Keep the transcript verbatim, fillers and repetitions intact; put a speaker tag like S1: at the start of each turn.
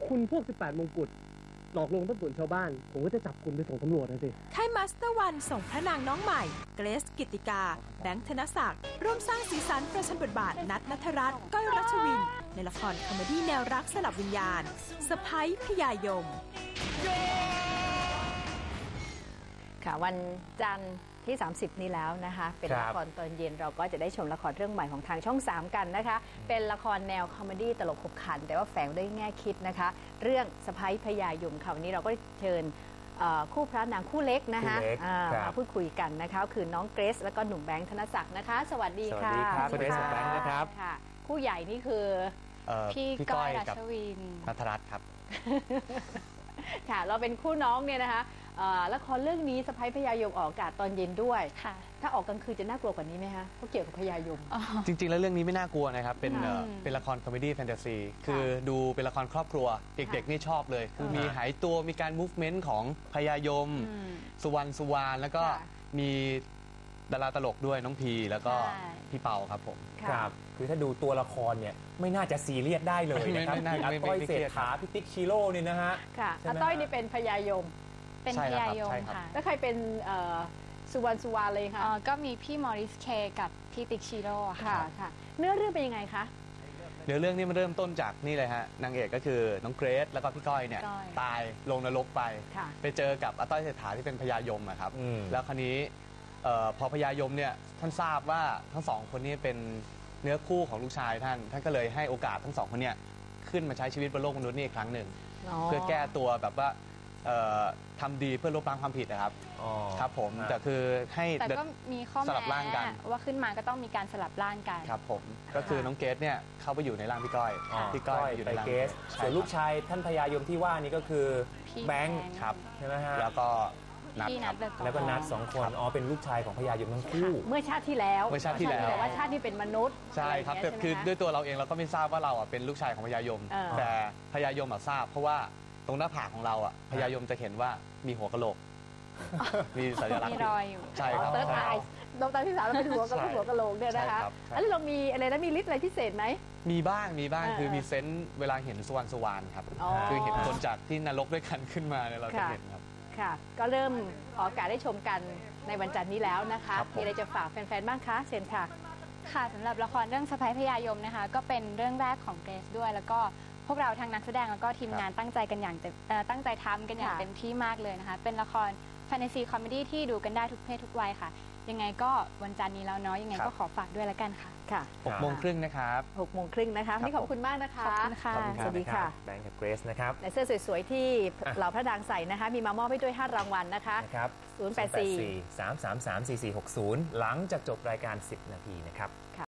S1: คุณพวกสิบแปดมงกุฎหลอกลวงต้นตุ่นชาวบ้านผมก็จะจับคุณไปส่งตำรวจนะสิ
S2: ค่ายมาสเตอร์วันส่งพระนางน้องใหม่เกรซกิตติกาแบงค์ธนศักดิ์ร่วมสร้างสีสันประชันบทบาทนัทณัฐรัตน์ก้อยรัชวินในละครคอมเมดี้แนวรักสลับวิญญาณสะใภ้พญายม
S3: ค่ะวันจันทร์ที่สามสิบนี้แล้วนะคะเป็นละครตอนเย็นเราก็จะได้ชมละครเรื่องใหม่ของทางช่องสามกันนะคะเป็นละครแนวคอมเมดี้ตลกขบขันแต่ว่าแฝงด้วยแง่คิดนะคะเรื่องสะใภ้พญายมค่ะวันนี้เราก็เชิญคู่พระนางคู่เล็กนะคะมาพูดคุยกันนะคะคือน้องเกรซและก็หนุ่มแบงค์ธนศักดิ์นะคะสวัสดีค่ะ
S4: สวัสดีครับเกรซแบงค์นะครับ
S3: คู่ใหญ่นี่คือ
S4: พี่ก้อยรัชวินณัฐรัตน์ครับ
S3: ค่ะเราเป็นคู่น้องเนี่ยนะคะละครเรื่องนี้สะใภ้พญายมออกอากาศตอนเย็นด้วยถ้าออกกลางคืนจะน่ากลัวกว่านี้ไหมคะเพราะเกี่ยวกับพญายม
S4: จริงๆแล้วเรื่องนี้ไม่น่ากลัวนะครับเป็นเป็นละครคอมเมดี้แฟนตาซีคือดูเป็นละครครอบครัวเด็กๆนี่ชอบเลยคือมีหายตัวมีการมูฟเมนต์ของพญายมสุวรรณสุวรรณแล้วก็มีดาราตลกด้วยน้องพีแล้วก็พี่เปาครับผม
S5: ครับคือถ้าดูตัวละครเนี่ยไม่น่าจะซีเรียสได้เลยนะครับอาต้อยเศรษฐาพิติกชิโร่เนี่ยนะฮะ
S3: ค่ะอาต้อยนี่เป็นพญายม
S6: เป็นพญายมค่ะ
S3: แล้วใครเป็นสุวรรณสุวรรณเลยค่ะ
S6: ก็มีพี่มอริสเคกับพี่ติ๊กชิโร่
S3: ค่ะค่ะเนื้อเรื่องเป็นยังไงคะ
S4: เนื้อเรื่องนี้มันเริ่มต้นจากนี่เลยฮะนางเอกก็คือน้องเกรซแล้วก็พี่ก้อยเนี่ยตายลงนรกไปไปเจอกับอาต้อยเศรษฐาที่เป็นพญายมครับแล้วคราวนี้พอพญายมเนี่ยท่านทราบว่าทั้งสองคนนี้เป็นเนื้อคู่ของลูกชายท่านท่านก็เลยให้โอกาสทั้งสองคนเนี่ยขึ้นมาใช้ชีวิตบนโลกมนุษย์นี่อีกครั้งหนึ่งเพื่อแก้ตัวแบบว่าทำดีเพื่อลบล้างความผิดนะครับครับผมแต่คือให้
S6: แต่ก็มีข้อแม้ว่าขึ้นมาก็ต้องมีการสลับร่างกัน
S4: ครับผมก็คือน้องเกรซเนี่ยเข้าไปอยู่ในร่างพี่ก้อย
S5: พี่ก้อยอยู่ในร่างเกรซส่วนลูกชายท่านพญายมที่ว่านี่ก็คือแบงค์
S4: ครับ
S5: ใช่ไหมฮะ
S4: แล้วก็นัท
S5: แล้วก็นัทสองคนอ๋อเป็นลูกชายของพญายมทั้งคู่
S3: เมื่อชาติที่แล้ว
S4: เมื่อชาติที่แล้ว
S3: แต่ว่าชาตินี้เป็นมนุษย์
S4: ใช่ครับแต่คือด้วยตัวเราเองเราก็ไม่ทราบว่าเราอ่ะเป็นลูกชายของพญายมแต่พญายมอ่ะทราบเพราะว่าตรงหน้าผากของเราอ่ะพญายมจะเห็นว่ามีหัวกะโหลกมีสัญลักษณ์
S6: มีรอยอยู่
S4: ใช่ครับ
S3: ดวงตาดวงตาที่สามเราเป็นหัวกะหัวกะโหลกเนี่ยนะคะแล้วเรามีอะไรนะมีฤทธิ์อะไรพิเศษไหม
S4: มีบ้างมีบ้างคือมีเซนส์เวลาเห็นสวรรค์สวรรค์ครับคือเห็นคนจากที่นรกด้วยกันขึ้นมาเนี่ยเราจะเห็นครับ
S3: ค่ะก็เริ่มออกอากาศได้ชมกันในวันจันทร์นี้แล้วนะคะมีอะไรจะฝากแฟนๆบ้างคะเชิญค่ะ
S6: ค่ะสำหรับละครเรื่องสะใภ้พญายมนะคะก็เป็นเรื่องแรกของเกรซด้วยแล้วก็พวกเราทางนักแสดงแล้วก็ทีมงานตั้งใจกันอย่างตั้งใจทำกันอย่างเต็มที่มากเลยนะคะเป็นละครแฟนตาซีคอมเมดี้ที่ดูกันได้ทุกเพศทุกวัยค่ะยังไงก็วันจันทร์นี้แล้วเนาะยังไงก็ขอฝากด้วยแล้วกันค่ะ
S3: ค่ะ
S4: หกโมงครึ่งนะครับ
S3: หกโมงครึ่งนะคะนี่ขอบคุณมากนะคะ
S6: ขอบคุณค่ะ
S3: สวัสดีค่ะ
S5: แบงค์กับเกรซนะครับ
S3: และเสื้อสวยๆที่เหล่าพระนางใส่นะคะมีมามอบให้ด้วยห้ารางวัลนะคะศูนย์ แปด สี่
S5: สาม สาม สาม สี่ สี่ หก ศูนย์หลังจากจบรายการสิบนาทีนะครับ